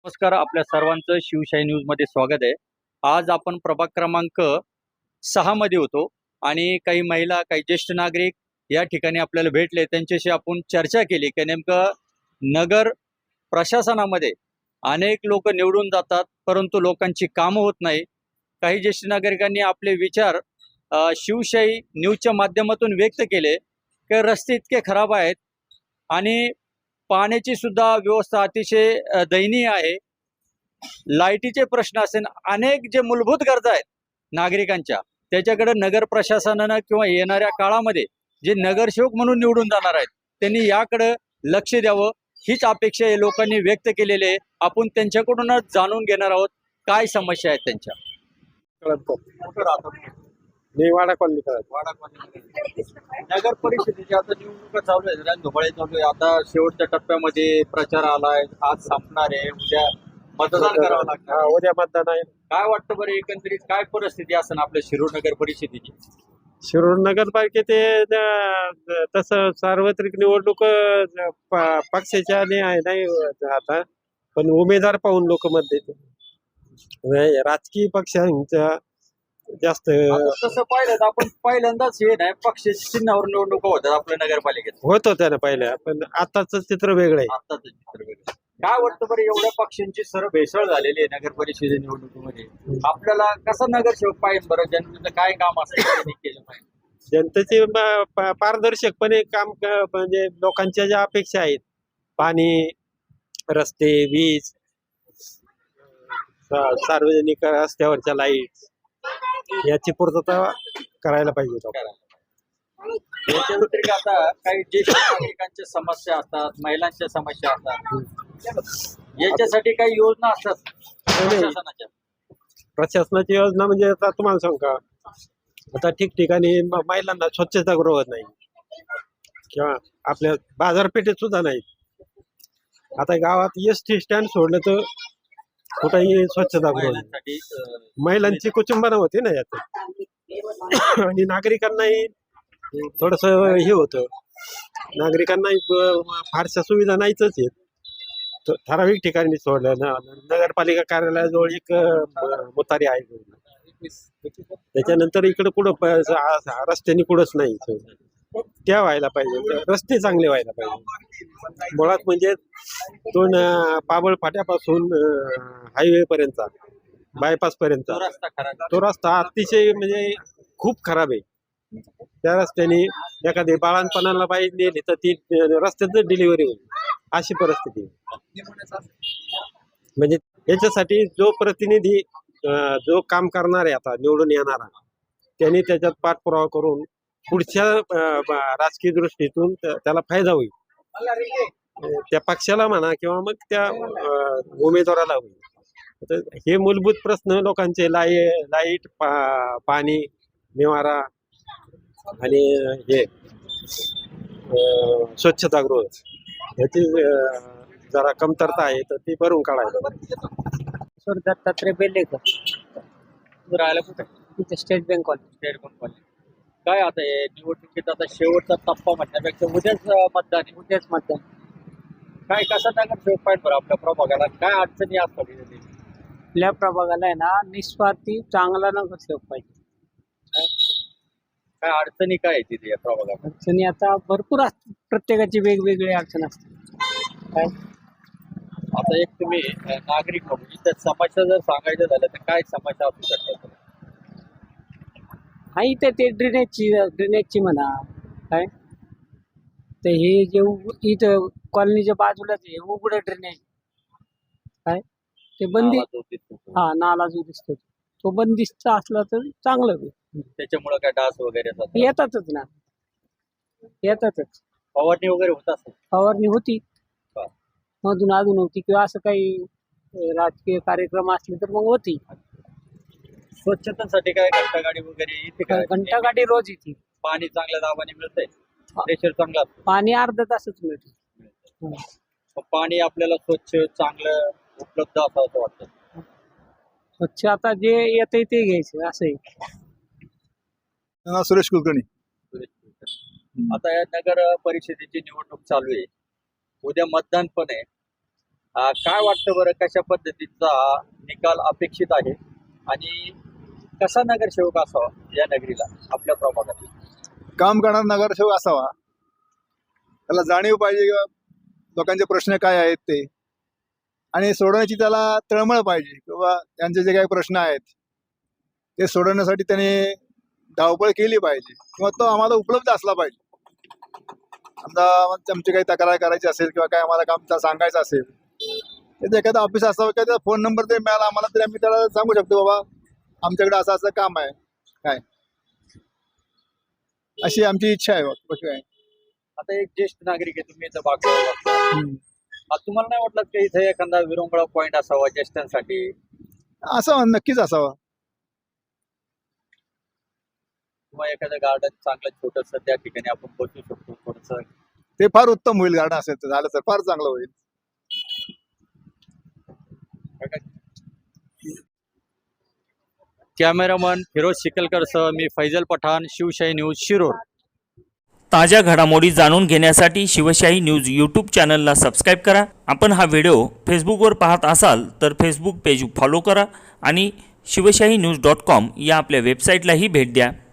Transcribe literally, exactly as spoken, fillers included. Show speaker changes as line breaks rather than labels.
नमस्कार, आपल्या सर्वांचं शिवशाही न्यूज मध्ये स्वागत आहे. आज आपण प्रभाग क्रमांक सहा मध्ये होतो आणि काही महिला, काही ज्येष्ठ नागरिक या ठिकाणी आपल्याला भेटले. त्यांच्याशी आपण चर्चा केली की नेमकं नगर प्रशासनामध्ये अनेक लोक निवडून जातात, परंतु लोकांची कामं होत नाही. काही ज्येष्ठ नागरिकांनी आपले विचार अ, शिवशाही न्यूजच्या माध्यमातून व्यक्त केले की रस्ते इतके खराब आहेत आणि पाण्याची सुद्धा व्यवस्था अतिशय अ, दयनीय आहे. लाईटीचे प्रश्न असेल, अनेक जे मूलभूत गरजा आहेत नागरिकांच्या, त्याच्याकडे नगर प्रशासनानं किंवा येणाऱ्या काळामध्ये जे नगरसेवक म्हणून निवडून जाणार आहेत त्यांनी याकडे लक्ष द्यावं, हीच अपेक्षा या लोकांनी व्यक्त केलेली आहे. आपण त्यांच्याकडूनच जाणून घेणार आहोत काय समस्या आहेत त्यांच्या. कुठं राहतात?
मी वाडा कॉलनी करत
वाडा कॉलनीमध्ये. नगर परिषदेची आता निवडणुका चालू आहे, रणधुमाळी चालू आहे. आता शेवटच्या टप्प्यामध्ये प्रचार आलाय, आज संपणार आहे, उद्या मतदान करावं लागणार आहे.
उद्या मतदान आहे.
काय वाटतं बरं, एकंदरीत काय परिस्थिती असेल आपल्या शिरूर नगर परिषदेची?
शिरूर नगरपालिकेत तसं सार्वत्रिक निवडणूक अं, प- पक्षाच्या नाही आहे नाही आता, पण उमेदवार पाहून लोक मत देते. नाही, राजकीय पक्षांच्या जास्त
आता तसं पाहिलं तर आपण पहिल्यांदाच हे नाही पक्षाच्या चिन्हावर निवडणुका होतात आपल्या नगरपालिकेत.
होत होत्या ना पहिल्या, पण आताच चित्र वेगळं आहे.
आताच चित्र वेगळं. काय वाटतं बरं, एवढ्या पक्षांची सर्व भेसळ झालेली आहे नगर परिषदे निवडणुकीमध्ये, आपल्याला कसं नगरसेवक पाहिजे बरं? जनतेचं काय काम असेल त्यांनी केलं पाहिजे?
जनतेचे प- प- पारदर्शकपणे काम क- म्हणजे लोकांच्या ज्या अपेक्षा आहेत, पाणी, रस्ते, वीज, सा- सार्वजनिक रस्त्यावरच्या लाईट, याची पूर्तता करायला पाहिजे लोकांना.
याच्या व्यतिरिक्त आता काही ज्येष्ठ नागरिकांच्या समस्या असतात, महिलांच्या समस्या असतात, याच्यासाठी काही योजना असतात प्रशासनाच्या?
प्रशासनाची योजना म्हणजे आता तुम्हाला सांगू का, आता ठिकठिकाणी म- महिलांना स्वच्छतागृह नाही किंवा आपल्या बाजारपेठेत सुद्धा नाही. आता गावात एस टी स्टँड सोडलं तर कुठेही स्वच्छतागृह नाही.
महिलांसाठी अं,
महिलांची कुचंबना होते ना यात, आणि नागरिकांनाही थोडस हे होतं. नागरिकांनाही ब- फारशा सुविधा नाहीच आहेत. त- ठराविक ठिकाणी सोडलं ना, नगरपालिका कार्यालयाजवळ एक अं, मुतारी आहे, त्याच्यानंतर इकडे कुठं प- आ- रस्त्याने कुठंच नाही. त्या व्हायला पाहिजे, रस्ते चांगले व्हायला पाहिजे. मुळात म्हणजे दोन अं, पाबळ फाट्यापासून हायवे पर्यंत, बायपास पर्यंत
तो रस्ता खराब.
तो रस्ता अतिशय म्हणजे खूप खराब आहे. त्या रस्त्याने एखादी बाळांपणाला बाई नेली तर ती रस्त्यातच डिलिव्हरी होईल, अशी परिस्थिती आहे. म्हणजे याच्यासाठी जो प्रतिनिधी अं, जो काम करणार आहे आता निवडून येणारा, त्यांनी त्याच्यात पाठपुरावा करून पुढच्या अं, ब- राजकीय दृष्टीतून त्या- त्याला फायदा होईल. अं, त्या पक्षाला म्हणा किंवा मग त्या अं, उमेदवाराला होईल. तर हे मूलभूत प्रश्न लोकांचे, लाई लाईट, पा- पाणी, निवारा आणि हे अं, स्वच्छतागृह, याची अं, जरा कमतरता आहे, तर ती भरून काढायला पाहिजे.
सर दत्तात्रय बेल्लेकर,
तू राहायला कुठे?
तिथे state bank college.
State bank colony. काय आता हे निवडणुकीत आता शेवटचा टप्पा म्हणण्यापेक्षा उद्याच अं, मतदान आहे.
उद्याच मतदान.
काय कसं नगरसेवक पाहिजे बरं आपल्या प्रभागाला? काय अडचणी असतात इथे?
आपल्या प्रभागाला आहे ना, निस्वार्थी चांगला नगरसेवक पाहिजे.
काय अडचणी काय आहे तिथे या प्रभागात?
अडचणी आता भरपूर असतात, प्रत्येकाची वेगवेगळी अडचण असते. काय
आता एक तुम्ही अं, नागरिक म्हणून इथं समस्या जर सांगायचं झालं तर काय समस्या असू शकतात?
हा, इथे ते ड्रेनेजची ड्रेनेजची म्हणा. काय तर हे जे उ- इथं कॉलनीच्या बाजूलाच आहे उघडं ड्रेनेज. काय ते बंदी,
नाला जो दिसतो तो.
हा नाला जो दिसतो तो बंदिस्त असला तर चांगलं होईल.
त्याच्यामुळे काय डास वगैरे येतात?
येतातच ना, येतातच.
फवारणी वगैरे होत असेल?
फवारणी होती,
हा.
मधून अधून होती, किंवा असं काही अं, राजकीय कार्यक्रम असले तर मग होती.
स्वच्छतेसाठी काय घंटागाडी वगैरे इथे काय?
घंटागाडी रोज येते.
पाणी चांगल्या दाबाने मिळतंय, प्रेशर चांगला असतं.
पाणी अर्धा तासच मिळते.
मग पाणी आपल्याला स्वच्छ चांगलं उपलब्ध असावं असं वाटतं.
स्वच्छ आता जे येतंय ते घ्यायचं, असं आहे.
हा, सुरेश कुलकर्णी.
आता या नगर परिषदेची निवडणूक चालू आहे, उद्या मतदान पण आहे. अं, काय वाटतं बरं, कशा पद्धतीचा हा निकाल अपेक्षित आहे आणि कसा नगरसेवक असावा या नगरीला आपल्या प्रभागात?
काम करणारा नगरसेवक असावा, त्याला जाणीव पाहिजे किंवा लोकांचे प्रश्न काय आहेत ते, आणि सोडवण्याची त्याला तळमळ पाहिजे किंवा त्यांचे जे काही प्रश्न आहेत ते सोडवण्यासाठी त्याने धावपळ केली पाहिजे किंवा तो आम्हाला उपलब्ध असला पाहिजे. समजा आमची काही तक्रार करायची असेल किंवा काय आम्हाला काम सांगायचं असेल तर एखादा ऑफिस असावं किंवा त्याचा फोन नंबर जरी मिळाला आम्हाला तरी आम्ही त्याला सांगू शकतो बाबा आमच्याकडे असं असं काम आहे काय, अशी आमची इच्छा आहे. कशी आहे
आता एक ज्येष्ठ नागरिक आहे, तुम्ही इथं बागेवर तुम्हाला नाही वाटलं की इथे एखादा विरंगुळा पॉइंट असावा ज्येष्ठांसाठी?
असावा, नक्कीच असावा.
किंवा एखादं गार्डन चांगलं छोटस त्या ठिकाणी आपण बसू शकतो थोडस?
ते फार उत्तम होईल, गार्डन असेल तर झालं तर फार चांगलं होईल.
कॅमेरामन फिरोज शिकलकरसह मी फैजल पठाण, शिवशाही न्यूज, शिरोळ.
ताज्या घडामोडी जाणून घेण्यासाठी शिवशाही न्यूज यूट्यूब चॅनलला सबस्क्राईब करा. आपण हा व्हिडिओ फेसबुकवर पाहत असाल तर फेसबुक पेज फॉलो करा आणि शिवशाही न्यूज डॉट कॉम या आपल्या वेबसाईटलाही भेट द्या.